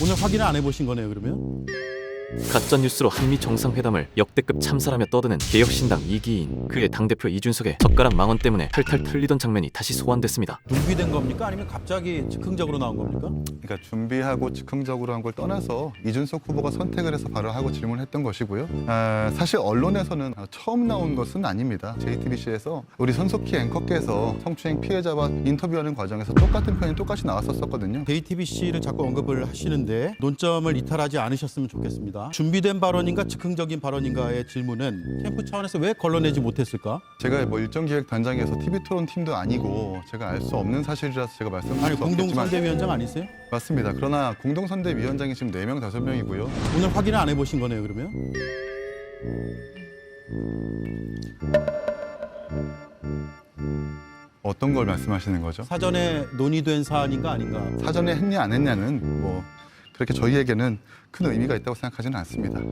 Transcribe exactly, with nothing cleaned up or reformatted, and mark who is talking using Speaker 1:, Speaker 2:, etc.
Speaker 1: 오늘 확인을 안 해보신 거네요, 그러면?
Speaker 2: 가짜뉴스로 한미 정상회담을 역대급 참사라며 떠드는 개혁신당 이기인, 그의 당대표 이준석의 젓가락 망언 때문에 탈탈 털리던 장면이 다시 소환됐습니다.
Speaker 1: 준비된 겁니까? 아니면 갑자기 즉흥적으로 나온 겁니까?
Speaker 3: 그러니까 준비하고 즉흥적으로 한 걸 떠나서 이준석 후보가 선택을 해서 발언하고 질문했던 것이고요. 아, 사실 언론에서는 처음 나온 것은 아닙니다. 제이티비씨에서 우리 손석희 앵커께서 성추행 피해자와 인터뷰하는 과정에서 똑같은 표현이 똑같이 나왔었거든요.
Speaker 1: 제이티비씨를 자꾸 언급을 하시는데 논점을 이탈하지 않으셨으면 좋겠습니다. 준비된 발언인가 즉흥적인 발언인가의 질문은 캠프 차원에서 왜 걸러내지 못했을까?
Speaker 3: 제가 뭐 일정기획단장에서 티비토론 팀도 아니고 제가 알 수 없는 사실이라서 제가 말씀드릴
Speaker 1: 아니
Speaker 3: 수 없겠지만
Speaker 1: 공동선대위원장 아니세요?
Speaker 3: 맞습니다. 그러나 공동선대위원장이 지금 네 명, 다섯 명이고요.
Speaker 1: 오늘 확인을 안 해보신 거네요, 그러면?
Speaker 3: 어떤 걸 말씀하시는 거죠?
Speaker 1: 사전에 논의된 사안인가 아닌가?
Speaker 3: 사전에 했냐 안 했냐는 뭐 그렇게 저희에게는 큰 의미가 있다고 생각하지는 않습니다.